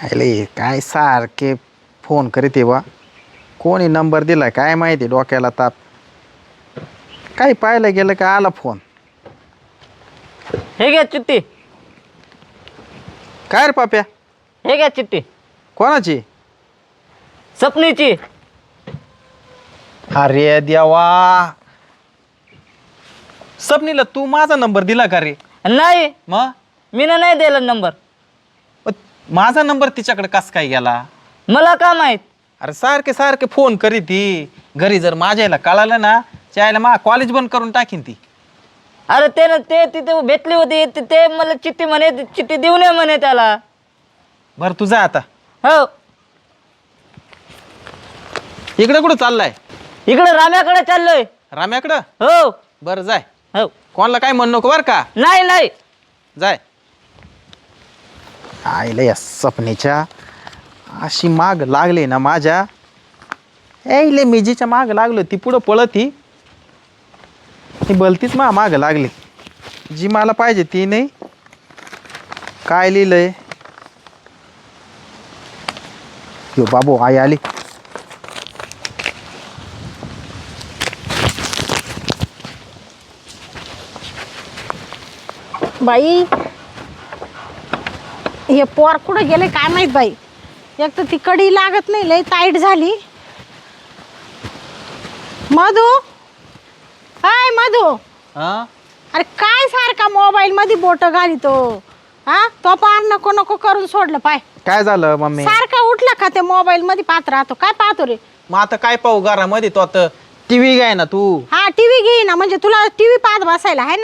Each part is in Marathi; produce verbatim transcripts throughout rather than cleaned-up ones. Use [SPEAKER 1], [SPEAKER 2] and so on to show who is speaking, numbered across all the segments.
[SPEAKER 1] अरे काय सारखे फोन करीत बा कोणी नंबर दिला काय माहिती डोक्याला ताप काही पाहायला गेलं का आला फोन
[SPEAKER 2] हे घ्या चिठ्ठी
[SPEAKER 1] काय रे पाप्या
[SPEAKER 2] हे घ्या चिठ्ठी
[SPEAKER 1] कोणाची
[SPEAKER 2] सपनीची
[SPEAKER 1] अरे देवा सपनीला तू माझा नंबर दिला का रे
[SPEAKER 2] नाही
[SPEAKER 1] मग
[SPEAKER 2] मी नाही दिला नंबर
[SPEAKER 1] माझा नंबर तिच्याकडे कस काय गेला
[SPEAKER 2] मला का माहित
[SPEAKER 1] अरे सारखे सारखे फोन करीत ती घरी जर माझ्याला कळालं ना त्याला मा कॉलेज बंद करून टाकीन ती
[SPEAKER 2] अरे ते ना ते तिथे भेटली होती ते, ते मला चिठ्ठी म्हणे चिठ्ठी देऊ नये म्हणे त्याला
[SPEAKER 1] बरं तू जा आता
[SPEAKER 2] हो
[SPEAKER 1] इकडे कुठं चाललाय
[SPEAKER 2] इकडे राम्याकडे चाललोय
[SPEAKER 1] राम्याकडं
[SPEAKER 2] हो
[SPEAKER 1] बरं जाय
[SPEAKER 2] हो
[SPEAKER 1] कोणाला काय म्हणू नको बरं का
[SPEAKER 2] नाही नाही
[SPEAKER 1] जाय आईला या सपनेच्या अशी माग लागली ना माझ्या यायले मी जिच्या माग लागलो ती पुढं पळत ही ती बलतीच मा माग लागली जी मला पाहिजे ती नाही काय लिहिलंय यो बाबू आई आली
[SPEAKER 3] बाई हे पोर कुठं गेले काय माहित बाई एक तर ती कडी लागत नाही लय टाईट झाली मधू हाय मधू
[SPEAKER 1] हा
[SPEAKER 3] अरे काय सारखा मोबाईल मध्ये बोट घालितो हा तो पार नको नको करून सोडलं पाय
[SPEAKER 1] काय झालं मम्मी
[SPEAKER 3] सारखा उठला का ते मोबाईल मध्ये पाहत राहतो काय पाहतो रे
[SPEAKER 1] मग आता काय पाहू घरामध्ये तो आता टीव्ही घ्याय ना तू
[SPEAKER 3] हा टीव्ही घे ना म्हणजे तुला टीव्ही पाहत बसायला आहे ना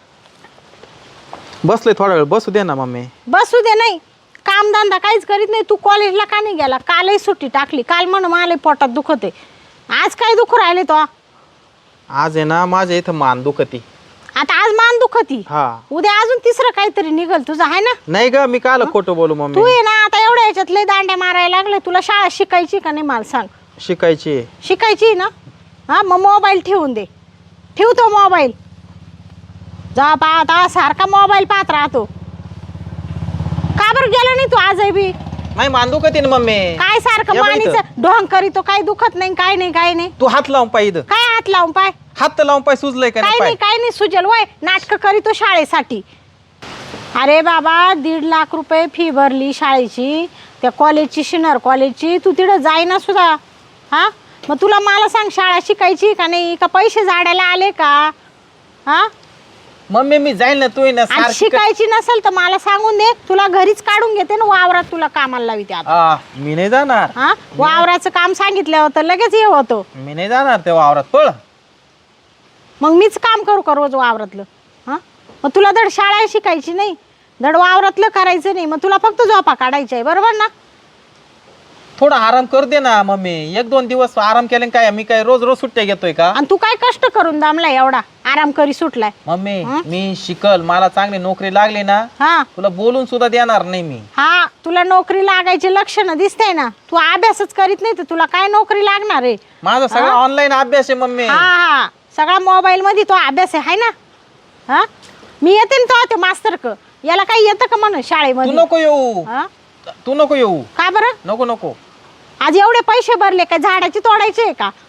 [SPEAKER 1] बसले थोडा वेळ बसू दे ना मम्मी
[SPEAKER 3] बसू दे नाही कामधंदा काहीच करीत नाही तू कॉलेजला का नाही गेला कालही सुट्टी टाकली काल म्हण मला पोटात दुखत आहे आज काय दुखू राहिले तो
[SPEAKER 1] आज आहे ना माझ्या इथं मान दुखती
[SPEAKER 3] आता आज मान दुखती
[SPEAKER 1] हा
[SPEAKER 3] उद्या अजून तिसरं काहीतरी निघल तुझं आहे ना
[SPEAKER 1] नाही ग मी काल खोटं बोलू
[SPEAKER 3] तू
[SPEAKER 1] मम्मी
[SPEAKER 3] ये ना आता एवढ्या याच्यात लय दांड्या मारायला लागले तुला शाळा शिकायची का नाही मला सांग
[SPEAKER 1] शिकायची
[SPEAKER 3] शिकायची ना हा मग मोबाईल ठेवून दे ठेवतो मोबाईल जा पाहता सारखा मोबाईल पाहत राहतो का बरं गेला नाही तू आजही बी
[SPEAKER 1] नाही मान दुखती ना मम्मी
[SPEAKER 3] काय सारखं
[SPEAKER 1] या बाई इथं.
[SPEAKER 3] मानीचं ढोंग करीतो काही दुखत नाही काय नाही काय नाही
[SPEAKER 1] तू हात लावून पाय इथं
[SPEAKER 3] काय हात लावून पाय
[SPEAKER 1] हात तर लावून पाय सुजलंय का
[SPEAKER 3] काय
[SPEAKER 1] नाही
[SPEAKER 3] नाही
[SPEAKER 1] पाय
[SPEAKER 3] काय नाही सुजल वय नाटक करीतो शाळेसाठी अरे बाबा दीड लाख रुपये फी भरली शाळेची त्या कॉलेजची शिनर कॉलेजची तू तिथं जाईना सुद्धा हा मग तुला मला सांग शाळा शिकायची का नाही का पैसे झाडायला आले का हा
[SPEAKER 1] मम्मी मी जाईल ना तू ये ना
[SPEAKER 3] आणि
[SPEAKER 1] सारखी क-
[SPEAKER 3] शिकायची नसेल तर मला सांगून दे तुला घरीच काढून घेते ना वावरात तुला कामाला लावते आता
[SPEAKER 1] आ, मी नाही जाणार
[SPEAKER 3] हा वावराचं काम सांगितलं होतं लगेच हे होतं
[SPEAKER 1] मी नाही जाणार त्या वावरात पळ
[SPEAKER 3] मग मीच काम करू का रोज वावरातलं हां मग तुला धड शाळा शिकायची नाही धड वावरातलं करायचं नाही मग तुला फक्त झोपा काढायची आहे बरोबर ना
[SPEAKER 1] थोडा आराम कर दे ना मम्मी एक दोन दिवस आराम केले काय मी काय रोज रोज सुट्ट्या घेतोय का
[SPEAKER 3] आणि तू काय कष्ट करून दमलाय एवढा आराम करी सुटलाय
[SPEAKER 1] मम्मी मी शिकल मला चांगली नोकरी लागली ना
[SPEAKER 3] हा
[SPEAKER 1] तुला बोलून सुद्धा देणार नाही मी
[SPEAKER 3] हा तुला नोकरी लागायचे लक्षणं दिसतंय ना तू अभ्यासच करीत नाही तर तुला काय नोकरी लागणार आहे
[SPEAKER 1] माझा सगळा ऑनलाईन अभ्यास आहे मम्मी
[SPEAKER 3] हा हा सगळा मोबाईल मध्ये तो अभ्यास आहे हाय ना हा मी येते ना तो ते मास्तर क याला काही येतं का म्हण
[SPEAKER 1] तू
[SPEAKER 3] शाळेमध्ये
[SPEAKER 1] नको येऊ
[SPEAKER 3] हा
[SPEAKER 1] तू नको येऊ
[SPEAKER 3] का बरं
[SPEAKER 1] नको नको
[SPEAKER 3] आज एवढे पैसे भरले काय झाडाची तोडायचे आहे का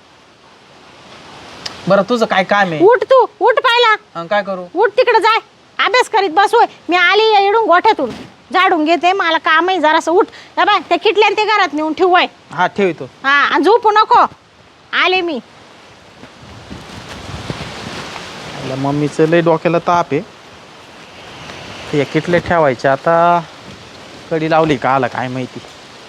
[SPEAKER 1] बरं तुझं काय काम आहे
[SPEAKER 3] उठ तू उठ पाहिला
[SPEAKER 1] अन काय करू
[SPEAKER 3] उठ तिकडे जाय अभ्यास करीत बसोय मी आली इडून गोठ्यातून झाडून घेते मला काम आहे जरासं उठ या बाय त्या किटल्यान ते घरात नेऊन ठेवूय
[SPEAKER 1] हा ठेवतो
[SPEAKER 3] हा आणि झोपू नको आले मी
[SPEAKER 1] मम्मीचं लय डोक्याला ताप आहे ते किटले ठेवायचे आता कडी लावली का आला काय माहिती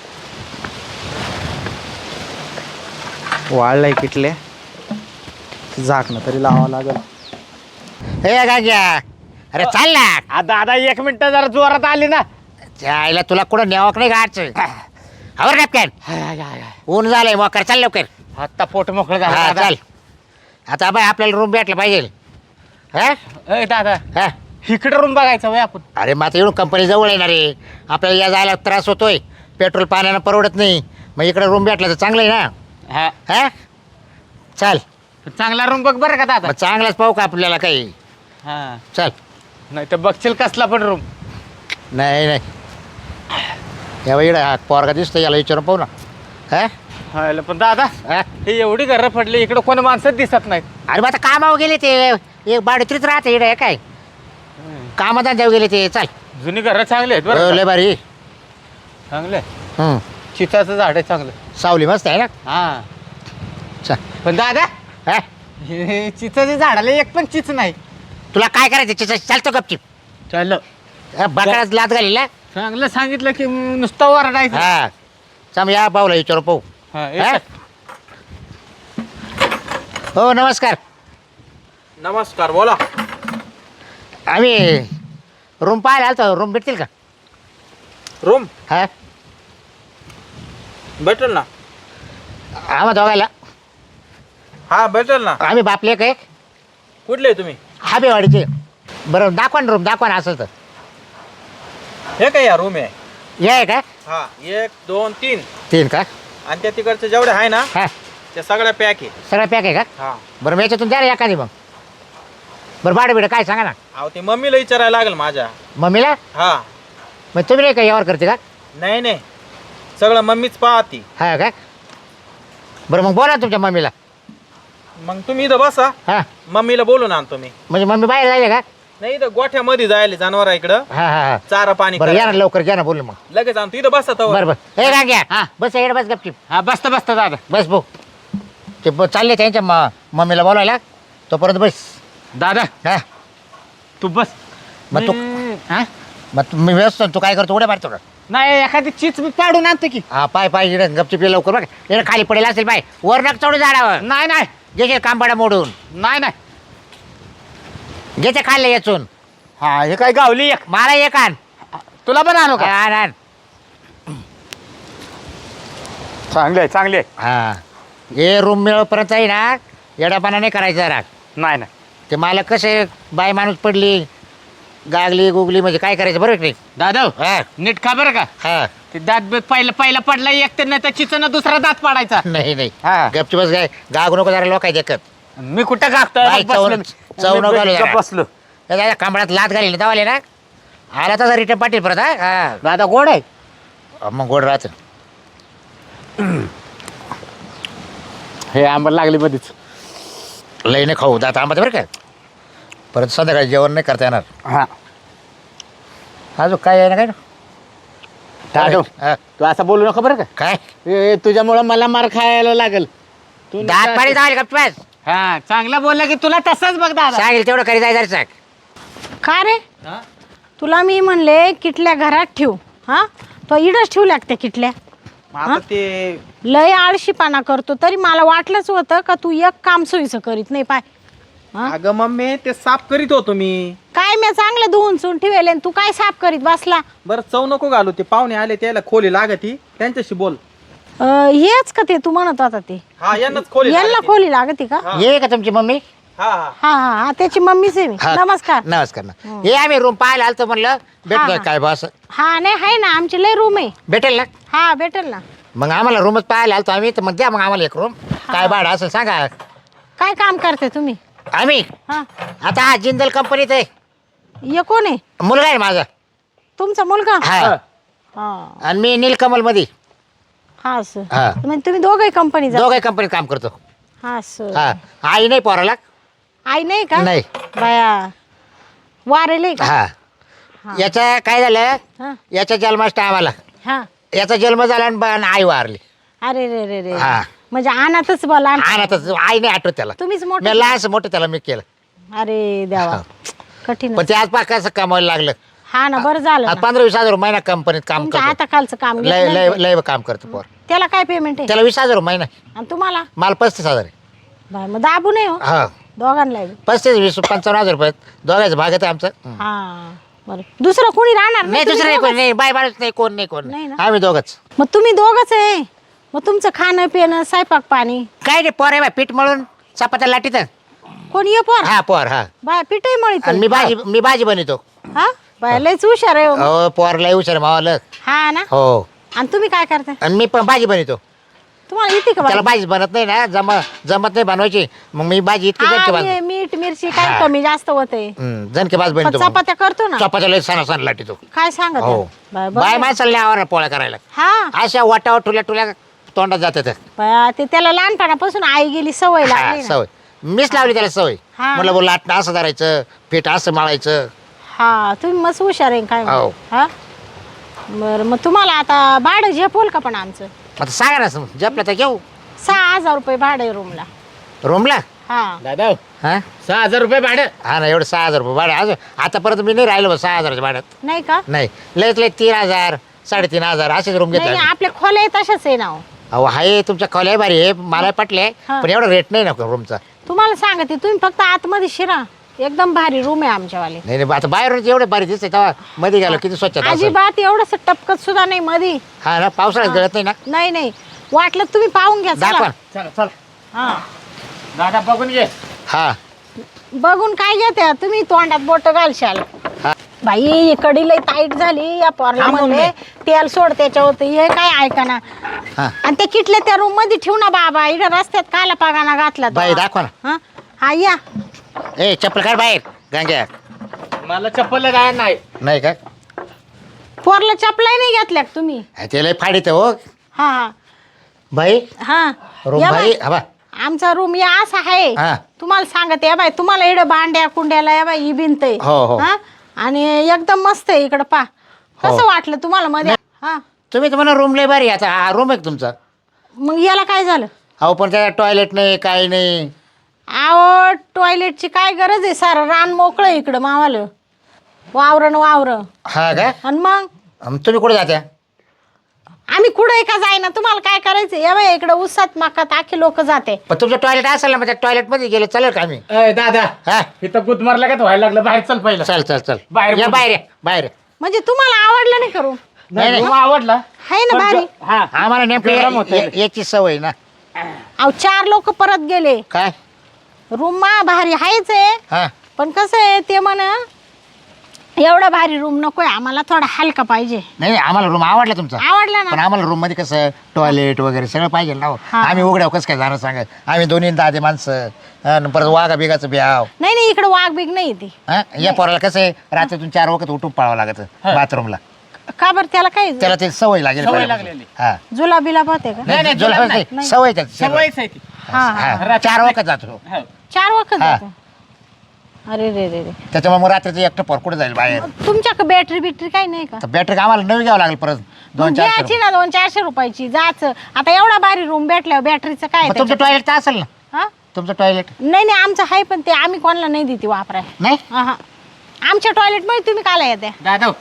[SPEAKER 1] वाळलाय किटले झाकणं तरी लावावं लागल
[SPEAKER 4] हे गाग्या अरे चाल ना
[SPEAKER 2] आ, दादा एक मिनिट जरा जोरात आली ना
[SPEAKER 4] जायला तुला कुठं न्यावक नाही गाडचं आवर कॅप्टन ऊन झालंय मोकर चाल लवकर
[SPEAKER 2] आता पोट मोकळं
[SPEAKER 4] हा
[SPEAKER 2] झालं
[SPEAKER 4] चाल आता बाय आपल्याला रूम भेटला पाहिजे हा
[SPEAKER 2] ए दादा
[SPEAKER 4] हा
[SPEAKER 2] इकडे रूम बघायचा वय आपण
[SPEAKER 4] अरे मग आता येऊन कंपनी जवळ येणार आहे आपल्याला या जायला त्रास होतोय पेट्रोल पाण्यानं परवडत नाही मग इकडे रूम भेटला तर चांगलं आहे ना
[SPEAKER 2] हा
[SPEAKER 4] हा चाल
[SPEAKER 2] चांगला रूम बघ बरं का दादा
[SPEAKER 4] मग चांगलाच पाहू का आपल्याला काही
[SPEAKER 2] हा
[SPEAKER 4] चल
[SPEAKER 2] नाही तर बघशील कसला पण रूम
[SPEAKER 4] नाही नाही या बाई इकडे हा पोरगा दिसतो याला विचारून पाहू ना. हा
[SPEAKER 1] हायला पण दादा
[SPEAKER 4] हा?
[SPEAKER 1] हे एवढी घरं पडली इकडे कोणी माणसं दिसत नाहीत.
[SPEAKER 4] अरे मग आता कामावर गेले ते एक बाडीतरीच राहते इकडे काय कामात जाऊ गेले ते. चाल
[SPEAKER 1] जुनी घरं चांगली आहेत
[SPEAKER 4] हो,
[SPEAKER 1] बरं
[SPEAKER 4] लय
[SPEAKER 1] का?
[SPEAKER 4] भारी.
[SPEAKER 1] चांगले
[SPEAKER 4] हम्म.
[SPEAKER 1] चिताचं झाड आहे चांगलं.
[SPEAKER 4] सावली मस्त आहे ना.
[SPEAKER 1] हा
[SPEAKER 4] चल.
[SPEAKER 1] पण दादा
[SPEAKER 4] हा?
[SPEAKER 1] हे चिताच्या झाडाला एक पण चिच नाही.
[SPEAKER 4] तुला काय करायचं चिचा चालतो गपचिप.
[SPEAKER 1] चाललं
[SPEAKER 4] बकराच लात घाली ना.
[SPEAKER 1] चांगलं सांगितलं की नुसतं वरडायचं.
[SPEAKER 4] हा चम या पाहुला विचारू पाहू.
[SPEAKER 1] हा,
[SPEAKER 4] हा?
[SPEAKER 1] येतं.
[SPEAKER 4] हो नमस्कार.
[SPEAKER 1] नमस्कार बोला.
[SPEAKER 4] आम्ही रूम पाहायला आलतो. रूम भेटतील का?
[SPEAKER 1] रूम
[SPEAKER 4] हा
[SPEAKER 1] भेटेल ना.
[SPEAKER 4] आम्हा दोघायला.
[SPEAKER 1] हा भेटेल ना.
[SPEAKER 4] आम्ही बापले काय
[SPEAKER 1] कुठले तुम्ही?
[SPEAKER 4] हाबेवाडीचे. बरं दाखवा ना रूम दाखवा ना असेल तर.
[SPEAKER 1] हे काय या रूम आहे.
[SPEAKER 4] हे आहे का?
[SPEAKER 1] हा एक दोन तीन
[SPEAKER 4] तीन का?
[SPEAKER 1] आणि त्या तिकडचे जेवढे आहे ना
[SPEAKER 4] हा
[SPEAKER 1] त्या सगळ्या पॅक आहे.
[SPEAKER 4] सगळं पॅक आहे का?
[SPEAKER 1] हा
[SPEAKER 4] बरं मग याच्यातून द्या ना एखादी मग. बरं भाडं बिडं काय सांगा ना.
[SPEAKER 1] अहो ते मम्मीला विचारायला लागेल माझ्या.
[SPEAKER 4] मम्मीला.
[SPEAKER 1] हा
[SPEAKER 4] मग तुम्ही नाही का यावर करते का?
[SPEAKER 1] नाही नाही सगळं मम्मीच पाहती.
[SPEAKER 4] हा का? बरं मग बोला ना तुमच्या मम्मीला.
[SPEAKER 1] मग तुम्ही इथं बसा.
[SPEAKER 4] हा
[SPEAKER 1] मम्मीला बोलून आणतो मी.
[SPEAKER 4] म्हणजे मम्मी बाहेर जायले का?
[SPEAKER 1] नाही इथं गोठ्यामध्ये जायला जनावर इकडं
[SPEAKER 4] हा हा हा
[SPEAKER 1] चारा पाणी
[SPEAKER 4] बरं या ना
[SPEAKER 1] करायला.
[SPEAKER 4] लवकर घ्या ना बोलू मग.
[SPEAKER 1] लगेच आणतो इथं बसा तवर.
[SPEAKER 4] बरं बरं हे का घ्या बस इकडे बस गपचिप.
[SPEAKER 1] हा बसता बसता दादा.
[SPEAKER 4] बस भाऊ ते ब- चालले त्यांच्या म मम्मीला बोलायला तोपर्यंत बस.
[SPEAKER 1] दादा
[SPEAKER 4] हा
[SPEAKER 1] तू बस.
[SPEAKER 4] मग तू
[SPEAKER 1] मी- हा?
[SPEAKER 4] मग तू मी व्यस्त तू काय करतो उड्या मारतो का?
[SPEAKER 1] नाही एखादी चीच मी पाडून आणतो की.
[SPEAKER 4] हा पाय पाय इकडे गपचिप ये लवकर बघ. इकडे खाली पडेल असेल पाय वर नक चढून झाडावर
[SPEAKER 1] नाही नाही
[SPEAKER 4] घेशील कांबाडा मोडून.
[SPEAKER 1] नाही नाही.
[SPEAKER 4] घेते खाल्ले याचून.
[SPEAKER 1] हा हे काय गावली एक.
[SPEAKER 4] मला एक आण.
[SPEAKER 1] तुला पण आणू का?
[SPEAKER 4] आण आण.
[SPEAKER 1] चांगले चांगले.
[SPEAKER 4] हा हे रूम मिळवपर्यंत आहे ना येडापाना नाही करायचा राग.
[SPEAKER 1] नाही नाही
[SPEAKER 4] ते मला कसे बाय माणूस पडली गागली गुगली म्हणजे काय करायचं बरोबर की नाही.
[SPEAKER 1] दादा
[SPEAKER 4] हा
[SPEAKER 1] नीट खा बरं का.
[SPEAKER 4] हा
[SPEAKER 1] ते दात बी पहिलं पहिला पडला एक तर नाही तर चिचन दुसरा दात पाडायचा.
[SPEAKER 4] नाही नाही
[SPEAKER 1] हा.
[SPEAKER 4] गपची बस काय गागू नको जरा लोक देखत.
[SPEAKER 1] मी कुठं
[SPEAKER 4] बाई,
[SPEAKER 1] गागतोय
[SPEAKER 4] चव- चव नको घालू जरा.
[SPEAKER 1] बसलो.
[SPEAKER 4] दादा कांबळात लात घाली दावाले ना आला तसा रिटर्न पाटील परत हा? हा
[SPEAKER 1] दादा गोड आहे.
[SPEAKER 4] मग गोड राहत.
[SPEAKER 1] हे आंबट लागली मध्येच.
[SPEAKER 4] लई नाही खाऊ दात आंबा बरं का. परत संध्याकाळी जेवण नाही करता येणार.
[SPEAKER 1] हा
[SPEAKER 4] अजून काय आहे ना काय ना
[SPEAKER 1] दादा
[SPEAKER 4] हा.
[SPEAKER 1] तू असं बोलू नका बरं का.
[SPEAKER 4] काय
[SPEAKER 1] ए, तुझ्यामुळं मला मार खायला लागेल. तू
[SPEAKER 4] दात पाणी जाईल गप्प बस.
[SPEAKER 1] हा चांगला बोलला की तुला तसंच बघ दादा.
[SPEAKER 4] सांगेल तेवढं करी जाय जरा
[SPEAKER 3] का रे
[SPEAKER 1] हा?
[SPEAKER 3] तुला मी म्हणले किटल्या घरात ठेव. हा तो इडच ठेवल्या का त्या किटल्या.
[SPEAKER 1] मग आता ते
[SPEAKER 3] लय आळशीपणा करतो तरी मला वाटलंच होतं का तू एक काम सोयीचं करीत नाही पाय. हा?
[SPEAKER 1] अगं मम्मी ते साफ करीत होतो मी.
[SPEAKER 3] काय मी चांगलं धुवून चुन ठेवले तू काय साफ करीत बसला.
[SPEAKER 1] बरं चव नको घालू. ते पाहुणे आले त्याला खोली लागती त्यांच्याशी बोल.
[SPEAKER 3] अं, हेच का ते तू म्हणत होता ते
[SPEAKER 1] हा यांनाच खोली
[SPEAKER 3] यांना
[SPEAKER 1] लागती.
[SPEAKER 3] खोली लागते का.
[SPEAKER 1] हा.
[SPEAKER 4] ये का तुमची मम्मी.
[SPEAKER 1] हा हा
[SPEAKER 3] हा हा हा त्याची मम्मीच आहे मी.
[SPEAKER 4] हा.
[SPEAKER 3] नमस्कार.
[SPEAKER 4] नमस्कार ना हे आम्ही रूम पाहायला आलतो म्हणलं भेटतोय
[SPEAKER 3] हा.
[SPEAKER 4] काय बस.
[SPEAKER 3] हा नाही आहे ना आमची लय रूम आहे.
[SPEAKER 4] भेटेल ना.
[SPEAKER 3] हा भेटेल ना.
[SPEAKER 4] मग आम्हाला रूमच पाहायला आलतो आम्ही तर मग द्या मग आम्हाला एक रूम. काय भाडं असेल सांगा.
[SPEAKER 3] काय काम करते तुम्ही.
[SPEAKER 4] आम्ही
[SPEAKER 3] हा
[SPEAKER 4] आता हा जिंदल कंपनीत आहे.
[SPEAKER 3] ये कोण आहे
[SPEAKER 4] मुलगा आहे माझा.
[SPEAKER 3] तुमचा मुलगा.
[SPEAKER 4] हा
[SPEAKER 3] हा
[SPEAKER 4] आणि मी नीलकमल मध्ये.
[SPEAKER 3] हा सर
[SPEAKER 4] हा
[SPEAKER 3] म्हणजे तुम्ही दोघे कंपनी जा.
[SPEAKER 4] दोघे कंपनीत काम करतो.
[SPEAKER 3] हा सर
[SPEAKER 4] हा आई नाही पोराला.
[SPEAKER 3] आई नाही का.
[SPEAKER 4] नाही.
[SPEAKER 3] बाया वारेले का.
[SPEAKER 4] हा
[SPEAKER 3] हा.
[SPEAKER 4] याचा काय झालं
[SPEAKER 3] हा
[SPEAKER 4] याचा जन्माष्ट आम्हाला
[SPEAKER 3] हा
[SPEAKER 4] याचा जन्म झाला आणि बा- आणि आई वारली.
[SPEAKER 3] अरे रे रे रे
[SPEAKER 4] हा.
[SPEAKER 3] म्हणजे अनाथच बोला.
[SPEAKER 4] आणि आता आई नाही आठवत त्याला.
[SPEAKER 3] तुम्हीच
[SPEAKER 4] मी
[SPEAKER 3] मोठे.
[SPEAKER 4] लहानच मोठं त्याला मी केलं.
[SPEAKER 3] अरे देवा
[SPEAKER 4] हा.
[SPEAKER 3] कठीण.
[SPEAKER 4] पण ते आज पा कसं कमावायला लागलं.
[SPEAKER 3] हा ना बरं झालं
[SPEAKER 4] आज
[SPEAKER 3] ना.
[SPEAKER 4] पंधरा वीस हजार महिना कंपनीत काम
[SPEAKER 3] तुमच्या
[SPEAKER 4] करतो.
[SPEAKER 3] हाताखालचं काम
[SPEAKER 4] लय
[SPEAKER 3] घेतलं
[SPEAKER 4] लय
[SPEAKER 3] ना.
[SPEAKER 4] लय काम करतो पोर.
[SPEAKER 3] त्याला काय पेमेंट आहे.
[SPEAKER 4] त्याला वीस हजार महिना.
[SPEAKER 3] आणि तुम्हाला
[SPEAKER 4] मला पस्तीस हजार आहे.
[SPEAKER 3] बाय मग दाबू नये हो
[SPEAKER 4] हा
[SPEAKER 3] दोघांना बी.
[SPEAKER 4] पस्तीस वीस पंचावन्न हजार रुपये दोघांचं भागत आहे आमचं.
[SPEAKER 3] हा बरं दुसरं कोणी राहणार
[SPEAKER 4] नाही
[SPEAKER 3] तुम्ही
[SPEAKER 4] दुसरं नाही कोण
[SPEAKER 3] दोघंच?
[SPEAKER 4] नाही बाय बाळच नाही कोण नाही कोण
[SPEAKER 3] नाही
[SPEAKER 4] नाही
[SPEAKER 3] ना?
[SPEAKER 4] आम्ही दोघंच.
[SPEAKER 3] मग तुम्ही दोघच आहे. मग तुमचं खाणं पिणं स्वयंपाक पाणी
[SPEAKER 4] काय नाही पोर आहे बाय पीठ मळून चपात्या लाटीत.
[SPEAKER 3] कोणी ये पोर.
[SPEAKER 4] हा पोर हा
[SPEAKER 3] बाय पिठही मळीत.
[SPEAKER 4] आणि मी भाजी मी भाजी बनवतो.
[SPEAKER 3] हा बाय लयच हुशार आहे हो.
[SPEAKER 4] हो पोर लय हुशार मावाला.
[SPEAKER 3] हा ना.
[SPEAKER 4] हो
[SPEAKER 3] आणि तुम्ही काय करता.
[SPEAKER 4] आणि मी पण भाजी बनवतो.
[SPEAKER 3] तुम्हाला येते का
[SPEAKER 4] त्याला
[SPEAKER 3] बाई?
[SPEAKER 4] भाजी बनत नाही ना जम जमत नाही बनवायची मग मी भाजी इतकी
[SPEAKER 3] हा,
[SPEAKER 4] जनके
[SPEAKER 3] मी-
[SPEAKER 4] भाज
[SPEAKER 3] मीठ मिरची काय कमी जास्त होते
[SPEAKER 4] जनके भाज
[SPEAKER 3] पण
[SPEAKER 4] बनतो मग.
[SPEAKER 3] चपात्या करतो ना
[SPEAKER 4] चपात्याला लय सणा सण लाटी तो
[SPEAKER 3] काय सांगत
[SPEAKER 4] हो
[SPEAKER 3] आहे? बाय- बरं
[SPEAKER 4] बाय
[SPEAKER 3] आहे.
[SPEAKER 4] माणसाला आवर पोळ्या करायला
[SPEAKER 3] हा
[SPEAKER 4] अशा वाटावर ठुल्या ठुल्या तोंडात जाते ते
[SPEAKER 3] बाया, ते त्याला लहानपणापासून आई गेली सवय
[SPEAKER 4] हा,
[SPEAKER 3] लागली ना.
[SPEAKER 4] सवय मीच लावली त्याला सवय
[SPEAKER 3] हा.
[SPEAKER 4] म्हटलं बोल लाटणं असं धरायचं पीठ असं माळायचं
[SPEAKER 3] हा तुम्ही मस्त हुशार आहे काय
[SPEAKER 4] हो.
[SPEAKER 3] हा बरं मग तुम्हाला आता भाडं झेपवल का पण आमचं
[SPEAKER 4] आता सांगा ना जपलं तर घेऊ
[SPEAKER 3] सहा हजार रुपये भाडे रूमला
[SPEAKER 4] रूमला
[SPEAKER 3] हा
[SPEAKER 1] दादा
[SPEAKER 4] हा
[SPEAKER 1] सहा हजार रुपये भाडं.
[SPEAKER 4] हा ना एवढं सहा हजार रुपये भाडं अजून आतापर्यंत मी नाही राहिलो बा सहा हजाराच्या भाड्यात
[SPEAKER 3] नाही का
[SPEAKER 4] नाही लयत लय तीन हजार साडेतीन हजार असेच रूम
[SPEAKER 3] नाही
[SPEAKER 4] घेतले
[SPEAKER 3] नाही, आपल्या खोल्या तशाच आहे ना हो.
[SPEAKER 4] अहो आहे तुमच्या कॉलेज भारी आहे मला पटले
[SPEAKER 3] हा.
[SPEAKER 4] पण एवढा रेट नाही ना रूमचा
[SPEAKER 3] तुम्हाला सांगते तुम्ही फक्त आतमध्ये शिरा एकदम भारी रूम आहे आमच्यावाले
[SPEAKER 4] नाही नाही आता बाहेरून एवढे भारी दिसते तेव्हा मध्ये गेलो किती स्वच्छता असेल.
[SPEAKER 3] अजिबात एवढंच टपकत सुद्धा नाही मधी
[SPEAKER 4] हा ना पावसाळ्यात गळत नाही ना
[SPEAKER 3] नाही नाही वाटलं तर तुम्ही पाहून घ्या चला.
[SPEAKER 4] दाखवा
[SPEAKER 1] चला चला
[SPEAKER 3] हा
[SPEAKER 1] दादा बघून घे.
[SPEAKER 4] हा
[SPEAKER 3] बघून काय घेते तुम्ही तोंडात बोट घालशाल
[SPEAKER 4] हा.
[SPEAKER 3] बाई कडी लई टाईट झाली या पोरला
[SPEAKER 1] थांबून
[SPEAKER 3] म्हणले तेल सोड त्याच्यावर हे काय ऐका ना
[SPEAKER 4] हा
[SPEAKER 3] आणि ते किटले त्या रूम मध्ये ठेवू ना बाबा इकडे रस्त्यात काला पागाना घातला तो.
[SPEAKER 4] बाई दाखवा ना
[SPEAKER 3] हा हा या
[SPEAKER 4] ए चप्पल काढ बाहेर गांग्या
[SPEAKER 1] मला चप्पल जाय नाही.
[SPEAKER 4] नाही का
[SPEAKER 3] पोरला चपलाही नाही घेतल्या का तुम्ही
[SPEAKER 4] हा, ते लय फाडीत हो
[SPEAKER 3] हा हा
[SPEAKER 4] बाई
[SPEAKER 3] हा
[SPEAKER 4] रूम
[SPEAKER 3] या
[SPEAKER 4] भारी
[SPEAKER 3] बाई,
[SPEAKER 4] हा बा
[SPEAKER 3] आमचा रूम या असा आहे
[SPEAKER 4] हा.
[SPEAKER 3] तुम्हाला सांगते या बाई तुम्हाला इकडे बांड्या कुंड्याला या बाई ही भिंत आहे
[SPEAKER 4] हो, हो.
[SPEAKER 3] हा? आणि एकदम मस्त आहे इकडं पा कसं वाटलं तुम्हाला मध्ये हा
[SPEAKER 4] तुम्ही तर म्हणा रूम लय भारी आता हा रूम आहे का तुमचा
[SPEAKER 3] मग याला काय झालं
[SPEAKER 4] अहो पण त्या टॉयलेट नाही काही नाही
[SPEAKER 3] आहो टॉयलेटची काय गरज आहे सारं रान मोकळं आहे इकडं मावालं वावरण वावरं
[SPEAKER 4] हा का
[SPEAKER 3] आणि मग
[SPEAKER 4] अन तुम्ही कुठे जात्या
[SPEAKER 3] आम्ही कुठं का जाईना तुम्हाला काय करायचं या बाई इकडं उसात माकात आखे लोक जाते
[SPEAKER 4] पण तुमचं टॉयलेट असेल ना मग त्या टॉयलेट मध्ये गेले चालेल का आम्ही
[SPEAKER 1] अय दादा
[SPEAKER 4] हा
[SPEAKER 1] इथं गुद मारला का व्हायला लागलं बाहेर चल पहिलं.
[SPEAKER 4] चल चल चल
[SPEAKER 1] बाहेर
[SPEAKER 4] या
[SPEAKER 1] बोलू.
[SPEAKER 4] बाहेर या, बाहेर या.
[SPEAKER 3] म्हणजे तुम्हाला आवडलं नाही करू
[SPEAKER 4] नाही, नाही.
[SPEAKER 1] रूम आवडला
[SPEAKER 3] आहे ना
[SPEAKER 1] पण
[SPEAKER 3] भारी
[SPEAKER 1] जो- हा
[SPEAKER 4] आम्हाला नेमकं
[SPEAKER 1] गरम
[SPEAKER 4] या-
[SPEAKER 1] होतंय.
[SPEAKER 4] या- याची सवय ना
[SPEAKER 3] अहो चार लोक परत गेले
[SPEAKER 4] काय
[SPEAKER 3] रूम मा भारी आहेच आहे
[SPEAKER 4] हा
[SPEAKER 3] पण कसं आहे ते म्हण एवढा भारी रूम नकोय आम्हाला थोडा हलका पाहिजे
[SPEAKER 4] नाही नाही, आम्हाला रूम आवडला तुमचा
[SPEAKER 3] आवडला
[SPEAKER 4] पण
[SPEAKER 3] ना
[SPEAKER 4] आम्हाला रूम मध्ये कसं टॉयलेट वगैरे सगळं पाहिजे ना हो.
[SPEAKER 3] हा.
[SPEAKER 4] आम्ही उघड्यावर कसं काय जाणं सांगा आम्ही दोन्ही दादे माणसं अन परत वाघा बिगाचं ब्याव
[SPEAKER 3] नाही नाही इकडे वाघ बिग नाही ती
[SPEAKER 4] हा या पोराला कसं आहे रात्रीतून चार वखत उठून पळावं लागत बाथरूमला
[SPEAKER 3] का बरं त्याला काय
[SPEAKER 4] त्याला ते सवय लागेल
[SPEAKER 1] सवय
[SPEAKER 4] पहिल्यापासून.
[SPEAKER 1] लागलेली.
[SPEAKER 4] हा
[SPEAKER 3] जुला बिला पाहते का
[SPEAKER 1] नाही, नाही,
[SPEAKER 4] जुलाब
[SPEAKER 1] जुलाब
[SPEAKER 4] नाही,
[SPEAKER 3] नाही.
[SPEAKER 4] सवय त्याची सवय.
[SPEAKER 1] सवयच आहे ती.
[SPEAKER 3] हा हा
[SPEAKER 4] हा, चार वखत जातो
[SPEAKER 1] हो.
[SPEAKER 3] चार वखत
[SPEAKER 4] हा.
[SPEAKER 3] जातो अरे रे रे रे
[SPEAKER 4] त्याच्यामुळे मग रात्रीचं एकटं पोर कुठे जाईल बाहेर
[SPEAKER 3] तुमच्याकडे बॅटरी बिटरी काही नाही का
[SPEAKER 4] तर बॅटरी आम्हाला नवी घ्यावं लागेल परत दोन
[SPEAKER 3] मग
[SPEAKER 4] चार
[SPEAKER 3] घ्यायची ना दोन चारशे रुपयाची जायचं आता एवढा भारी रूम भेटल्यावर बॅटरीचं काय
[SPEAKER 4] मग तुमचं
[SPEAKER 3] त्याच्यात?
[SPEAKER 4] टॉयलेट तर असेल ना
[SPEAKER 3] हा?
[SPEAKER 4] तुमचं टॉयलेट
[SPEAKER 3] नाही नाही आमचं आहे पण ते आम्ही कोणाला नाही देते वापराय
[SPEAKER 4] नाही
[SPEAKER 3] हा आमच्या टॉयलेट मध्ये तुम्ही काला येते
[SPEAKER 1] दादा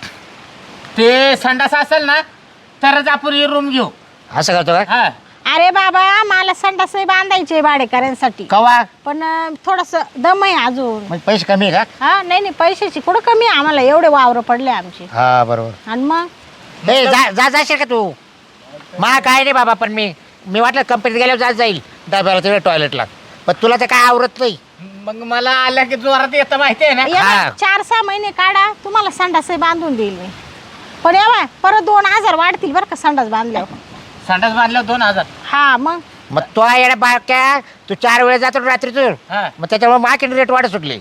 [SPEAKER 1] ते संडास असेल ना तरच आपण ही रूम घेऊ.
[SPEAKER 4] असं करतो का
[SPEAKER 1] हा
[SPEAKER 3] अरे बाबा मला संडास बांधायचे भाडेकऱ्यांसाठी
[SPEAKER 4] कवा
[SPEAKER 3] पण थोडस दम आहे अजून
[SPEAKER 4] म्हणजे पैसे कमी आहे का
[SPEAKER 3] हा नाही नाही पैशाची कुठं कमी आहे आम्हाला एवढे वावर पडले आमचे
[SPEAKER 4] हा बरोबर
[SPEAKER 3] आणि मग
[SPEAKER 4] ए जा जा जाशील का तू मा काय नाही बाबा पण मी मी वाटलं कंपनीत गेल्यावर जात जाईल डब्याला तिकडे टॉयलेटला पण तुला ते काय आवरत नाही
[SPEAKER 1] मग मला आल्या की जोरात येतं माहिती आहे ना.
[SPEAKER 3] या
[SPEAKER 4] हा.
[SPEAKER 3] बाय, चार सहा महिने काढा तुम्हाला संडास बांधून देईल मी पण या बाय, परत दोन हजार वाढतील बरं का संडास बांधल्यावर
[SPEAKER 1] संडास बांधल्यावर दोन हजार.
[SPEAKER 3] हा मग
[SPEAKER 4] मग तो येण्या बाक्या तू चार वेळा जातो रात्रीतून
[SPEAKER 1] हा
[SPEAKER 4] मग त्याच्यामुळे मार्केट रेट वाढत सुटली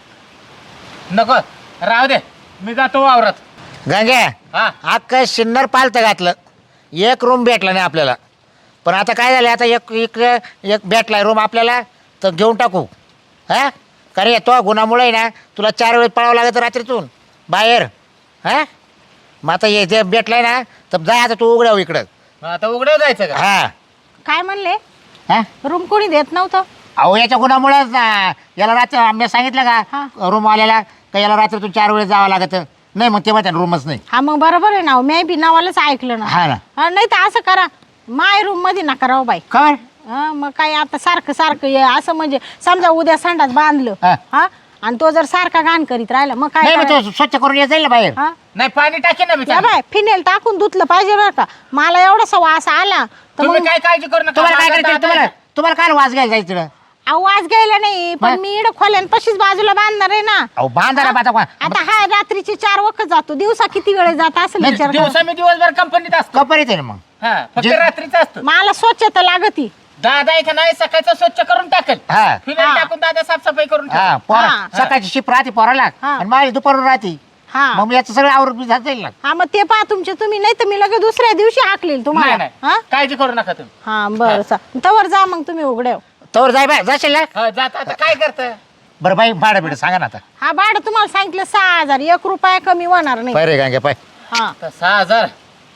[SPEAKER 1] नको राहू दे मी जातो वावरात.
[SPEAKER 4] गंग्या
[SPEAKER 1] हा
[SPEAKER 4] अख्खं शिन्नर पालतं घातलं एक रूम भेटला नाही आपल्याला पण आता काय झालं आता एक इकडे एक भेटला रूम आपल्याला तर घेऊन टाकू हा कारण या तो गुन्हामुळे ना तुला चार वेळेस पळावं लागतं रात्रीतून बाहेर हा मग आता हे जे भेटलाय ना तर जा आता तू उघड्याव इकडं
[SPEAKER 1] मग आता उघड्यावर जायचं का.
[SPEAKER 4] हा
[SPEAKER 3] काय म्हणले
[SPEAKER 4] हा
[SPEAKER 3] रूम कोणी देत नव्हतं
[SPEAKER 4] अहो याच्या गुन्हामुळेच ना याला रात्री आम्ही सांगितलं
[SPEAKER 3] हा.
[SPEAKER 4] का रूमवाल्याला का याला रात्रीतून चार वेळेस जावं लागतं नाही मग तेव्हा त्यानं रूमच नाही
[SPEAKER 3] हा मग बरोबर आहे ना मी बी नावालाच ऐकलं ना
[SPEAKER 4] हा ना
[SPEAKER 3] हा, नाही तर असं करा माय रूम मध्ये नका राहू बाई
[SPEAKER 4] खबर
[SPEAKER 3] हा मग काय आता सारखं सारखं हे असं म्हणजे समजा उद्या संडास बांधलं
[SPEAKER 4] हा.
[SPEAKER 3] हा आणि तो जर सारखा घाण करीत राहिला मग काय
[SPEAKER 4] नाही मग
[SPEAKER 3] करायचं?
[SPEAKER 4] तो स्वच्छ करून ये जाईल ना बाहेर
[SPEAKER 3] हा
[SPEAKER 1] नाही पाणी टाकेन ना मी
[SPEAKER 3] या
[SPEAKER 1] चांगलं.
[SPEAKER 3] बाय फिनेल टाकून धुतलं पाहिजे बरं का मला एवढासा वास आला तर
[SPEAKER 1] तुम्ही
[SPEAKER 3] मग
[SPEAKER 1] काय काळजी करू नका.
[SPEAKER 4] तुम्हाला काय
[SPEAKER 1] माझा
[SPEAKER 4] करायचं
[SPEAKER 1] दादा
[SPEAKER 4] तुम्हाला
[SPEAKER 1] आहे.
[SPEAKER 4] तुम्हाला काय वाज घ्यायला जायचं तिकडं?
[SPEAKER 3] आवाज घ्यायला नाही पण
[SPEAKER 4] मग?
[SPEAKER 3] मी इकडं खोल्यांपाशीच बाजूला बांधणार आहे ना
[SPEAKER 4] अहो बांधा ना बाता कोण
[SPEAKER 3] आता हा रात्रीचे चार वखत जातो दिवसा किती वेळ जात असेल
[SPEAKER 4] नाही,
[SPEAKER 3] विचार करा.
[SPEAKER 1] दिवसा मी दिवसभर कंपनीत असतो.
[SPEAKER 4] कपर येते ना मग
[SPEAKER 5] हा फक्त
[SPEAKER 4] जे-
[SPEAKER 5] रात्रीच असतं.
[SPEAKER 3] मला स्वच्छता लागती.
[SPEAKER 5] दादा आहे का नाही सकाळचं स्वच्छ करून टाकल.
[SPEAKER 4] हा
[SPEAKER 5] फिनाईल
[SPEAKER 3] हा.
[SPEAKER 5] टाकून दादा साफसफाई करून
[SPEAKER 4] हा
[SPEAKER 5] टाकल.
[SPEAKER 4] पोरा
[SPEAKER 3] हा.
[SPEAKER 4] सकाळची शिप राहते पोराला
[SPEAKER 3] हा.
[SPEAKER 4] आणि माझी दुपारून राहते.
[SPEAKER 3] हा
[SPEAKER 4] मग याचं सगळं आवरून मी जाता येईल ना.
[SPEAKER 3] हा मग ते पहा तुमचे तुम्ही, नाही तर मी लगेच दुसऱ्या दिवशी हाकलील
[SPEAKER 5] नाही
[SPEAKER 3] तुम्हाला.
[SPEAKER 5] नाही
[SPEAKER 3] हा
[SPEAKER 5] काळजी करू नका तुम्ही.
[SPEAKER 3] हा बरं चा तवर जा मग तुम्ही उघड्याव.
[SPEAKER 4] तवर जाय बाय जाशील ना.
[SPEAKER 5] हा, जाता आता काय करत
[SPEAKER 4] बरं बाई भाडं बिडं सांगा ना आता.
[SPEAKER 3] हा भाडं तुम्हाला सांगितलं सहा हजार, एक रुपया कमी होणार नाही.
[SPEAKER 4] पाय रे गांगे पाय.
[SPEAKER 3] हा
[SPEAKER 5] सहा हजार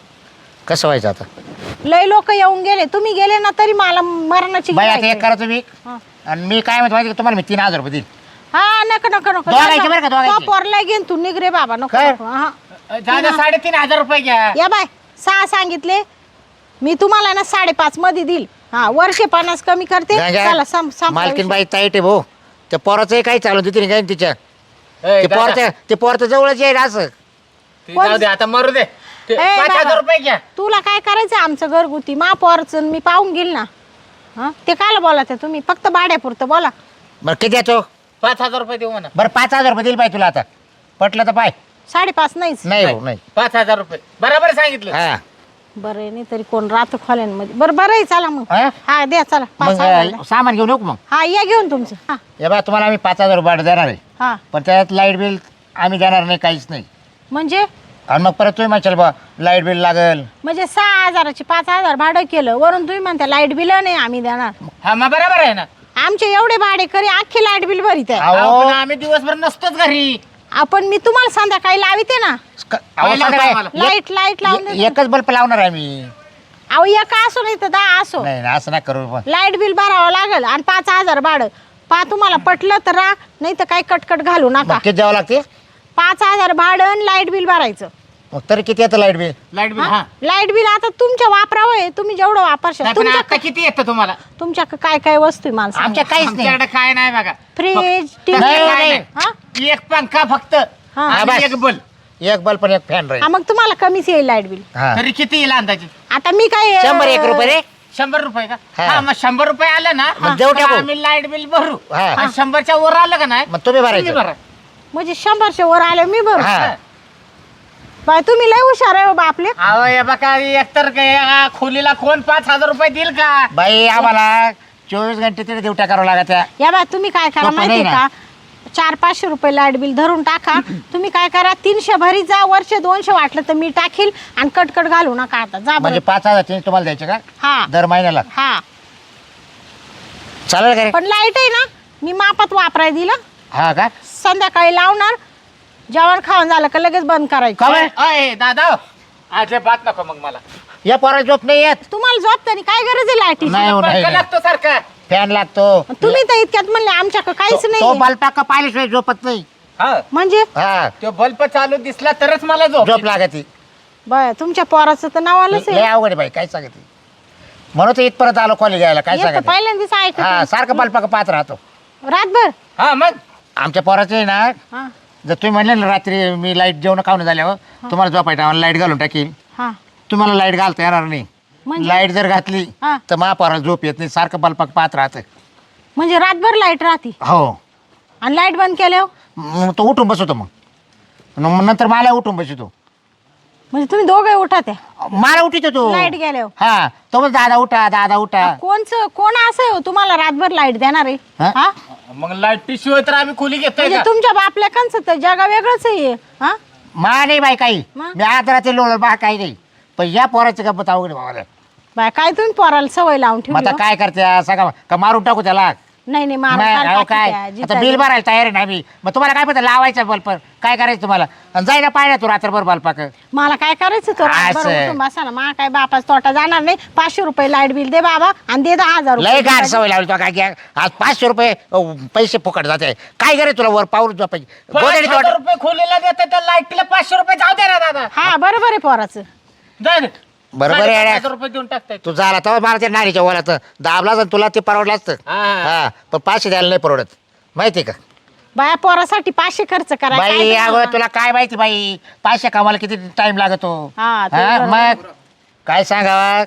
[SPEAKER 4] कसं व्हायचं आता
[SPEAKER 3] लय लोक येऊन गेले, तुम्ही गेले ना तरी मला मरणाची
[SPEAKER 4] बाई आता
[SPEAKER 3] गिऱ्हाईक
[SPEAKER 4] एक करा तुम्ही
[SPEAKER 3] हा.
[SPEAKER 4] आणि मी काय म्हणतो माहिती का, तुम्हाला मी तीन हजार रुपये देईल.
[SPEAKER 3] हा नको नको नको
[SPEAKER 4] दोघांची बरं का, दोघांची?
[SPEAKER 3] पोरला घेऊन तू निघ रे बाबा नको
[SPEAKER 4] काय?
[SPEAKER 3] नको. हा
[SPEAKER 5] दादा साडेतीन हजार रुपये घ्या.
[SPEAKER 3] या बाय सहा सांगितले मी तुम्हाला ना साडेपाच मध्ये देईल. हा वर्षे पन्नास कमी करते.
[SPEAKER 4] गांग्या,
[SPEAKER 3] चला सम संपला
[SPEAKER 4] मालकीन
[SPEAKER 3] विषय.
[SPEAKER 4] बाई ताईट आहे भाऊ. त्या पोराचं काही चालू तिथे नाही काय तिच्या
[SPEAKER 5] ए,
[SPEAKER 4] ते
[SPEAKER 5] दादा,
[SPEAKER 4] पोरच्या ते पोरचं जवळच येईल असं.
[SPEAKER 5] ते जाऊ दे आता मरू दे. ते
[SPEAKER 3] ए,
[SPEAKER 5] पाच
[SPEAKER 3] बाबा.
[SPEAKER 5] हजार रुपये घ्या.
[SPEAKER 3] तुला काय करायचं आमचं घरगुती मा पोरचं मी पाहून घेईल ना. हा ते काला बोला ते तुम्ही फक्त भाड्यापुरतं बोला.
[SPEAKER 4] बरं किती देतो.
[SPEAKER 5] पाच हजार रुपये देऊ म्हणा.
[SPEAKER 4] बरं पाच हजार रुपये देईल बाई तुला आता पटलं तर पाय.
[SPEAKER 3] साडेपाच नाहीच.
[SPEAKER 4] नाही भाऊ नाही.
[SPEAKER 5] पाच हजार रुपये बरोबर सांगितलं.
[SPEAKER 4] हा
[SPEAKER 3] बरं आहे, नाही तरी कोण राहतं खोल्यांमध्ये. बरं बरं आहे चला मग.
[SPEAKER 4] हा?
[SPEAKER 3] हा द्या चला पाच
[SPEAKER 4] मग
[SPEAKER 3] हजार द्या.
[SPEAKER 4] अं, सामान घेऊन येऊ का मग.
[SPEAKER 3] हा या घेऊन तुमचं. हा
[SPEAKER 4] या बा तुम्हाला आम्ही पाच हजार भाडं देणार आहे.
[SPEAKER 3] हा
[SPEAKER 4] पण त्यात लाईट बिल आम्ही देणार नाही काहीच नाही.
[SPEAKER 3] म्हणजे
[SPEAKER 4] आणि मग परत तुम्ही म्हणशाल बा लाईट बिल लागेल.
[SPEAKER 3] म्हणजे सहा हजाराचे पाच हजार भाडं केलं वरून तुम्ही म्हणता लाईट बिल नाही आम्ही देणार.
[SPEAKER 5] हा मग बरोबर आहे ना.
[SPEAKER 3] आमचे एवढे भाडे करी अख्खे लाईट बिल भरीत आहे.
[SPEAKER 4] अहो,
[SPEAKER 5] अहो, पण आम्ही दिवसभर नसतोच घरी.
[SPEAKER 3] आपण मी तुम्हाला संध्याकाळी लाविते ना
[SPEAKER 4] क- अहो,
[SPEAKER 5] लाईट
[SPEAKER 4] सांगा काय?
[SPEAKER 5] आम्हाला.
[SPEAKER 3] लाईट लाईट लावून
[SPEAKER 4] ए-
[SPEAKER 3] देते.
[SPEAKER 4] एकच बल्ब लावणार आहे मी.
[SPEAKER 3] अहो एक असो नाही तर दहा असो
[SPEAKER 4] नाही नाही, असं नाही करू पण.
[SPEAKER 3] लाईट बिल भरावं लागेल आणि पाच हजार भाडं. पा तुम्हाला पटलं तर राहा नाही तर काही कटकट घालू नका.
[SPEAKER 4] मग किती द्यावं लागते.
[SPEAKER 3] पाच हजार भाडं आणि लाईट बिल भरायचं.
[SPEAKER 4] मग तरी किती येतं लाईट बिल.
[SPEAKER 5] लाईट बिल हा.
[SPEAKER 3] लाईट बिल आता तुमच्या वापरावं आहे, तुम्ही जेवढं वापरशाल.
[SPEAKER 5] नाही, पण
[SPEAKER 3] तुमच्या
[SPEAKER 5] आता किती येतं तुम्हाला.
[SPEAKER 3] तुमच्या काय काय वस्तू आहे मला सांगा.
[SPEAKER 4] आमच्या काहीच नाही.
[SPEAKER 5] आमच्याकडे काय नाही बघा.
[SPEAKER 3] फ्रीज
[SPEAKER 5] फक्त-
[SPEAKER 3] टीव्ही
[SPEAKER 4] नाही,
[SPEAKER 5] काय
[SPEAKER 4] नाही.
[SPEAKER 3] हा?
[SPEAKER 5] नाही. एक पंखा फक्त
[SPEAKER 3] हा.
[SPEAKER 5] आणि
[SPEAKER 4] बस.
[SPEAKER 5] एक बल्ब.
[SPEAKER 4] एक बल्ब पण एक फॅन राहील.
[SPEAKER 3] हा, मग तुम्हाला कमीच येईल लाईट बिल.
[SPEAKER 4] हा
[SPEAKER 5] तरी किती येईल अंदाजे.
[SPEAKER 3] आता मी काय
[SPEAKER 4] शंभर एक रुपये रे.
[SPEAKER 5] शंभर रुपये का.
[SPEAKER 4] हा.
[SPEAKER 5] हा मग शंभर रुपये आलं ना
[SPEAKER 4] मग देऊ
[SPEAKER 5] तर
[SPEAKER 4] टाकू.
[SPEAKER 5] आम्ही लाईट बिल भरू.
[SPEAKER 4] हा.
[SPEAKER 5] आणि शंभरच्या वर आलं का नाही
[SPEAKER 4] मग तुम्ही भरायचं.
[SPEAKER 5] तुम्ही भरा.
[SPEAKER 3] म्हणजे शंभरशे वर आले मी बरं.
[SPEAKER 4] हा
[SPEAKER 3] बाय तुम्ही लय हुशार आहे हो बापले.
[SPEAKER 5] अहो हे बघा एकतर काय, आ, खोलीला कोण पाच हजार रुपये देईल का.
[SPEAKER 4] बाई आम्हाला चोवीस घंटे तिथे ड्युट्या करावं लागत आहे.
[SPEAKER 3] या बाय तुम्ही काय करा
[SPEAKER 4] सोपं
[SPEAKER 3] माहितीये
[SPEAKER 4] नाही
[SPEAKER 3] का, चार पाचशे रुपये लाईट बिल धरून टाका. तुम्ही काय करा तीनशे भरी जा, वर्षे दोनशे वाटलं तर मी टाकील आणि कटकट घालू नका आता जा
[SPEAKER 4] म्हणजे
[SPEAKER 3] बरं.
[SPEAKER 4] पाच हजार चेंज तुम्हाला द्यायचे का
[SPEAKER 3] हा
[SPEAKER 4] दर महिन्याला.
[SPEAKER 3] हा
[SPEAKER 4] चालेल का रे.
[SPEAKER 3] पण लाईट आहे ना मी मापात वापराय दिलं.
[SPEAKER 4] हा का
[SPEAKER 3] संध्याकाळी लावणार, जेवण खाऊन झालं का लगेच बंद करायचं.
[SPEAKER 4] का बरं?
[SPEAKER 5] अय दादा अजिबात नको मग मला.
[SPEAKER 4] या पोराला झोप नाही येत.
[SPEAKER 3] तुम्हाला झोपताना काय गरज आहे लाईटीची.
[SPEAKER 4] नाही हो, नाही
[SPEAKER 5] पंखा लागतो सारखा.
[SPEAKER 4] फॅन लागतो.
[SPEAKER 3] तुम्ही तर इतक्यात म्हणले आमच्याकडे काहीच
[SPEAKER 4] तो
[SPEAKER 3] नाही.
[SPEAKER 4] बल्ब का पाहिल्याशिवाय झोपत नाही.
[SPEAKER 5] हा
[SPEAKER 3] म्हणजे
[SPEAKER 4] हा
[SPEAKER 5] तो बल्ब चालू दिसला तरच मला झोप
[SPEAKER 4] झोप
[SPEAKER 5] येते.
[SPEAKER 4] लागती.
[SPEAKER 3] बय तुमच्या पोराचं तर नाव आलंच
[SPEAKER 4] लय
[SPEAKER 3] आहे.
[SPEAKER 4] अवघड आहे बाई काय सांगते. म्हणून तर इथपर्यंत आलो कॉलेज घ्यायला काय
[SPEAKER 3] एक तर
[SPEAKER 4] सांगते.
[SPEAKER 3] पहिल्यांदाच ऐकत
[SPEAKER 4] हा
[SPEAKER 3] आहे.
[SPEAKER 4] सारखं बल्ब का पाहत राहतो.
[SPEAKER 3] रातभर
[SPEAKER 5] हा मग
[SPEAKER 4] आमच्या पोराचं आहे ना,
[SPEAKER 3] हा
[SPEAKER 4] जर तुम्ही म्हणले ना रात्री मी लाईट जेवण खाऊन झाल्यावर तुम्हाला झोपायचं आम्हाला लाईट घालून टाकील.
[SPEAKER 3] हा
[SPEAKER 4] तुम्हाला लाईट घालता येणार नाही.
[SPEAKER 3] म्हणजे?
[SPEAKER 4] लाईट जर घातली
[SPEAKER 3] हा.
[SPEAKER 4] तर महापोराला झोप येत नाही, सारखं बल्पाक पाहत राहतं.
[SPEAKER 3] म्हणजे रातभर लाईट राहते
[SPEAKER 4] हो
[SPEAKER 3] आणि लाईट बंद केल्यावर
[SPEAKER 4] मग तो उठून बसवतो. मग मग नंतर मला उठून बसवतो.
[SPEAKER 3] म्हणजे तुम्ही दोघे उठा त्या
[SPEAKER 4] मला उठितो तो.
[SPEAKER 3] लाईट गेल्यावर.
[SPEAKER 4] हा तो मग दादा उठा दादा उठा.
[SPEAKER 3] कोणचं कोण असं आहे हो तुम्हाला रातभर लाईट देणार आहे.
[SPEAKER 4] हा?
[SPEAKER 3] हा
[SPEAKER 5] मग लाईट शिवाय तर आम्ही खोली घेतोय
[SPEAKER 3] म्हणजे
[SPEAKER 5] का.
[SPEAKER 3] तुमच्या बापल्या कंच तर जगा वेगळंच आहे. हा
[SPEAKER 4] मा नाही बाई काही.
[SPEAKER 3] मग?
[SPEAKER 4] मी आज रात्री लोळ बा काही नाही. पण या पोराची गप्पत अवघड आहे भावाला.
[SPEAKER 3] बाय काय तुम्ही पोराला सवय लावून
[SPEAKER 4] मग
[SPEAKER 3] ठेवली
[SPEAKER 4] आता
[SPEAKER 3] हो?
[SPEAKER 4] काय करते सगळं का मारून टाकू त्याला.
[SPEAKER 3] नाही नाही मारा,
[SPEAKER 4] नाही,
[SPEAKER 3] काल
[SPEAKER 4] अहो,
[SPEAKER 3] टाकी
[SPEAKER 4] काय
[SPEAKER 3] त्या,
[SPEAKER 4] आता
[SPEAKER 3] जिता
[SPEAKER 4] बिल
[SPEAKER 3] बिल.
[SPEAKER 4] भरायला तयार आहे ना मी. मग तुम्हाला काय पडतं लावायचं बल्ब काय करायचं तुम्हाला. आणि जायला पाहिजे तू रात्रभर बल्पाक.
[SPEAKER 3] मला काय करायचं तो रातभर
[SPEAKER 4] असं.
[SPEAKER 3] उठून बसा ना. मा काय बापाच तोटा जाणार नाही. पाचशे रुपये लाईट बिल दे बाबा आणि दे दहा हजार
[SPEAKER 4] लय गाड
[SPEAKER 3] रुपये.
[SPEAKER 4] सवय लावली तो काय घ्या. आज पाचशे रुपये अहो, पैसे फुकट जाते. काय करे तुला वर पाऊल झोपायची
[SPEAKER 5] पाच
[SPEAKER 4] गोदडी
[SPEAKER 5] हजार
[SPEAKER 4] तोड.
[SPEAKER 5] रुपये खोलीला देते तर लाईटला पाचशे रुपये जाऊ दे ना दादा.
[SPEAKER 3] हा बरोबर आहे पोराचं.
[SPEAKER 5] जाऊ दे.
[SPEAKER 4] बरोबर आहे
[SPEAKER 5] साडेपाच
[SPEAKER 4] अड्या.
[SPEAKER 5] हजार रुपये देऊन टाकताय.
[SPEAKER 4] तू झाला तर मला त्या नारीच्या वलात दाबला तुला ते परवडलं असतं.
[SPEAKER 5] हा.
[SPEAKER 4] हा पण पाचशे द्यायला नाही परवडत माहिती का.
[SPEAKER 3] बाया पोरासाठी पाचशे खर्च करा काय
[SPEAKER 4] बाई
[SPEAKER 3] तुम्हाला?
[SPEAKER 4] अगं तुला काय माहिती बाई पाचशे कामाला किती टाइम लागतो.
[SPEAKER 3] हा, ते
[SPEAKER 4] हा,
[SPEAKER 3] बरोबर.
[SPEAKER 4] मग काय सांगावा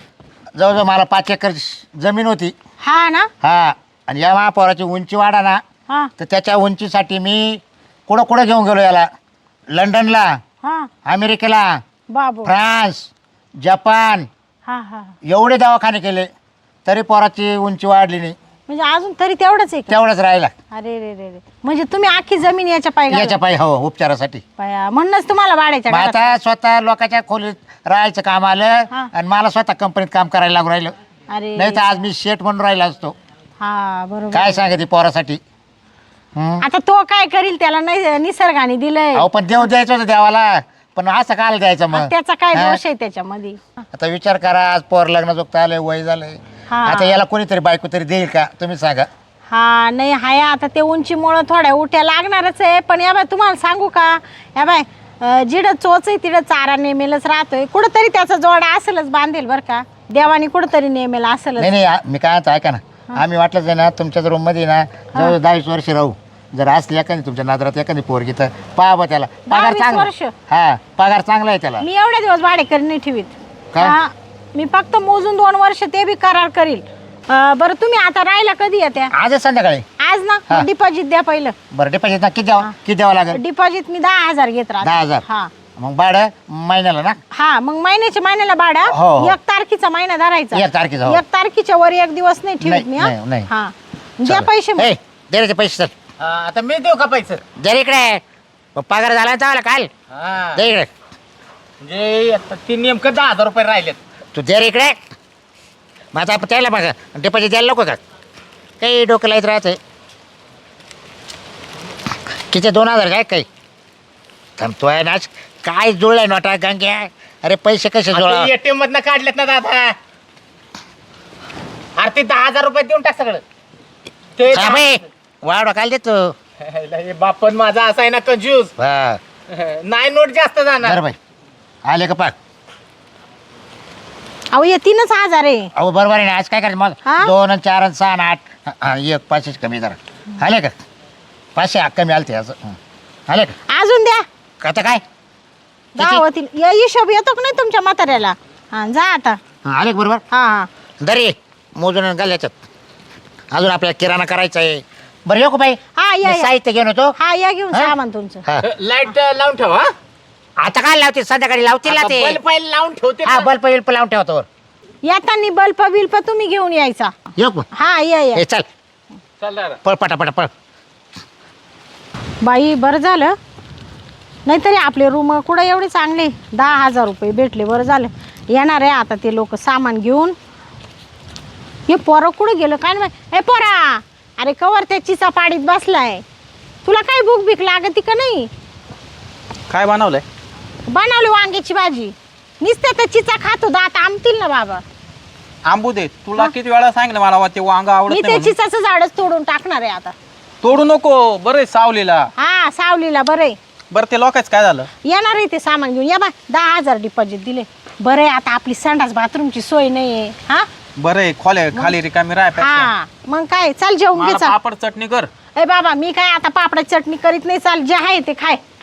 [SPEAKER 4] जवळजवळ मला पाच एकर जमीन होती.
[SPEAKER 3] हा ना
[SPEAKER 4] हा आणि या महापौराची उंची वाढा ना
[SPEAKER 3] हा
[SPEAKER 4] तर त्याच्या उंचीसाठी मी कुठं कुठं घेऊन गेलो याला. लंडनला,
[SPEAKER 3] हा
[SPEAKER 4] अमेरिकेला,
[SPEAKER 3] बाबू
[SPEAKER 4] फ्रान्स, जपान,
[SPEAKER 3] हा हा
[SPEAKER 4] एवढे दवाखाने केले तरी पोराची उंची वाढली नाही,
[SPEAKER 3] म्हणजे अजून तरी तेवढंच आहे का?
[SPEAKER 4] तेवढंच राहिला
[SPEAKER 3] अरे रे रे रे म्हणजे तुम्ही आखी जमीन याच्या पाय
[SPEAKER 4] याच्या पायी हो उपचारासाठी.
[SPEAKER 3] पाया म्हणूनच तुम्हाला वाढायच्या
[SPEAKER 4] मग
[SPEAKER 3] घरात.
[SPEAKER 4] आता स्वतः लोकांच्या खोलीत राहायचं काम आलं
[SPEAKER 3] हा.
[SPEAKER 4] आणि मला स्वतः कंपनीत काम करायला लागू राहिलं.
[SPEAKER 3] अरे
[SPEAKER 4] नाही तर आज मी शेठ म्हणून राहिला असतो.
[SPEAKER 3] हा बरोबर.
[SPEAKER 4] काय सांगते पोरासाठी. हम्म.
[SPEAKER 3] आता तो काय करील त्याला नाही निसर्गाने दिलंय
[SPEAKER 4] अहो पण देव द्यायचं होतं देवाला, पण असं काल द्यायचं मग.
[SPEAKER 3] त्याचा काय
[SPEAKER 4] हा?
[SPEAKER 3] दोष आहे त्याच्यामध्ये?
[SPEAKER 4] आता विचार करा, आज पोर लग्न जोगत आलंय, वय झालंय,
[SPEAKER 3] हा.
[SPEAKER 4] आता याला कोणीतरी बायको तरी देईल का तुम्ही सांगा.
[SPEAKER 3] हा नाही हाय आता ते उंचीमुळं थोड्या उठ्या लागणारच आहे. पण या बाय तुम्हाला सांगू का, या बाय अं, जिडं चोच आहे तिडं चारा नेमेलच राहतोय. कुठंतरी त्याचा जोडा असेलच बांधेल बरं का, देवाने कुठंतरी नेमेल असेलच.
[SPEAKER 4] नाही नाही आ- मी काय म्हणतो ऐका ना, आम्ही वाटलंच आहे ना तुमच्याच रूम मध्ये ना जवळ दहावीस वर्ष राहू. जर असली एखादी तुमच्या नादरात एखादी पोरगी तर पहा बा त्याला पगार
[SPEAKER 3] दहावीस
[SPEAKER 4] चांगला.
[SPEAKER 3] वर्ष?
[SPEAKER 4] हा पगार चांगला आहे त्याला.
[SPEAKER 3] मी एवढे दिवस भाडेकरी नाही ठेवीत.
[SPEAKER 4] काय?
[SPEAKER 3] हा, मी फक्त मोजून दोन वर्ष ते बी करार करील. अं, बरं तुम्ही आता राहायला कधी येत्या?
[SPEAKER 4] आजच संध्याकाळी.
[SPEAKER 3] आज
[SPEAKER 4] हा.
[SPEAKER 3] ना डिपॉझिट द्या पहिलं.
[SPEAKER 4] बरं डिपॉझिट ना किती द्यावं किती द्यावं लागेल?
[SPEAKER 3] डिपॉझिट मी दहा हजार घेत राहते.
[SPEAKER 4] दहा हजार.
[SPEAKER 3] हा
[SPEAKER 4] मग भाडं महिन्याला ना?
[SPEAKER 3] हा मग महिन्याच्या महिन्याला भाडा
[SPEAKER 4] हो, हो.
[SPEAKER 3] एक तारखेचा महिना धरायचा.
[SPEAKER 4] एक तारखेचा, हो.
[SPEAKER 3] एक तारखेच्या वर एक दिवस नाही ठेवीत
[SPEAKER 4] नाही,
[SPEAKER 3] मी. हा?
[SPEAKER 4] नाही, नाही.
[SPEAKER 3] हा द्या पैसे मग.
[SPEAKER 4] ए दे रे ते पैसे चल.
[SPEAKER 5] हा, आता मी देऊ का पैसे?
[SPEAKER 4] दे रे इकडे. मग पगार झाला ना चावला काल.
[SPEAKER 5] हा,
[SPEAKER 4] दे इकडे.
[SPEAKER 5] म्हणजे आता ते नेमकं दहा हजार रुपये राहिलेत.
[SPEAKER 4] तू दे रे इकडे. मग आता त्याला बघा डिपॉझिट द्यायला नको का? काही डोकं लाईत राहते. किती दोन हजार काय काही थांबतोय नाच काय जुळलाय नोटा गंग्या. अरे पैसे कसे जुळा?
[SPEAKER 5] एटीएम मधनं काढलेत ना दादा. अरे ते दहा हजार रुपये देऊन टाक सगळं ते.
[SPEAKER 4] वाढ काय देतो
[SPEAKER 5] हे बापन माझा असा आहे ना कंजूस.
[SPEAKER 4] हा
[SPEAKER 5] नाही नोट जास्त जाणार.
[SPEAKER 4] बरं बाई आले का पाक.
[SPEAKER 3] अहो हे तीनच हजार आहे.
[SPEAKER 4] अहो बरोबर आहे ना. आज काय करायचं मग
[SPEAKER 3] हा?
[SPEAKER 4] दोन आणि चार आणि सहा आणि आठ हा, हा, एक पाचशेच कमी जरा आले का? पाचशे कमी आलते असं हं. आले का?
[SPEAKER 3] अजून द्या.
[SPEAKER 4] आता काय
[SPEAKER 3] दहा होतील. या हिशोब येतो का नाही तुमच्या म्हाताऱ्याला? हा जा आता.
[SPEAKER 4] हं, आले का बरोबर?
[SPEAKER 3] हा हा
[SPEAKER 4] दरी मोजून घाल याच्यात. अजून आपल्याला किराणा करायचा आहे. बरं येऊ का बाई?
[SPEAKER 3] हा या
[SPEAKER 4] मी
[SPEAKER 3] या.
[SPEAKER 4] साहित्य घेऊन होतो.
[SPEAKER 3] हा या घेऊन
[SPEAKER 4] हा?
[SPEAKER 3] सामान तुमचं.
[SPEAKER 4] हा.
[SPEAKER 5] लाईट लावून ठेव. हा
[SPEAKER 4] आता काय लावते संध्याकाळी लावतील ना ते.
[SPEAKER 5] बल्ब पहिले लावून ठेवते
[SPEAKER 4] हा
[SPEAKER 5] ना.
[SPEAKER 4] बल्ब बिल्प लावून ठेवतो.
[SPEAKER 3] येताना बल्ब बिल्प तुम्ही घेऊन यायचा.
[SPEAKER 4] येऊ का?
[SPEAKER 3] हा या या.
[SPEAKER 4] हे चल
[SPEAKER 5] चल दादा.
[SPEAKER 4] पळ पटापटा पळ.
[SPEAKER 3] बाई बरं झालं, नाहीतरी आपले रूम कुठं एवढे चांगले. दहा हजार रुपये भेटले, बरं झालं. येणार आहे आता ते लोक सामान घेऊन. हे पोरं कुठं गेलं काय नाही. हे पोरा, अरे कवर त्या चिचा पाडीत बसलाय. तुला काय भूक भीक लागती का नाही?
[SPEAKER 1] काय बनवलंय?
[SPEAKER 3] बनवली वांग्याची भाजी. नुसतं त्या चिचा खातो, दात आमतील ना बाबा.
[SPEAKER 1] आंबू दे. तुला किती वेळा सांगितलं मला ते वांग आवडत
[SPEAKER 3] मी
[SPEAKER 1] नाही
[SPEAKER 3] ते
[SPEAKER 1] म्हणून.
[SPEAKER 3] चिचाचं झाडच तोडून टाकणार आहे आता.
[SPEAKER 1] तोडू नको. बरं सावलीला.
[SPEAKER 3] हा सावलीला बरं आहे.
[SPEAKER 1] बरं ते लोकांच काय झालं?
[SPEAKER 3] येणार आहे ते सामान घेऊन. या बा दहा हजार डिपॉझिट दिले. बरं आहे आता आपली संडास बाथरूमची सोय नाही आहे. हा
[SPEAKER 1] बरं आहे खोले खाली रिकामी राय.
[SPEAKER 3] हा मग काय, चाल जेवून घे
[SPEAKER 1] मला
[SPEAKER 3] चाल.
[SPEAKER 1] पापड चटणी कर.
[SPEAKER 3] ए बाबा मी काय आता पापडाची चटणी करीत नाही. चाल जे आहे ते खाय.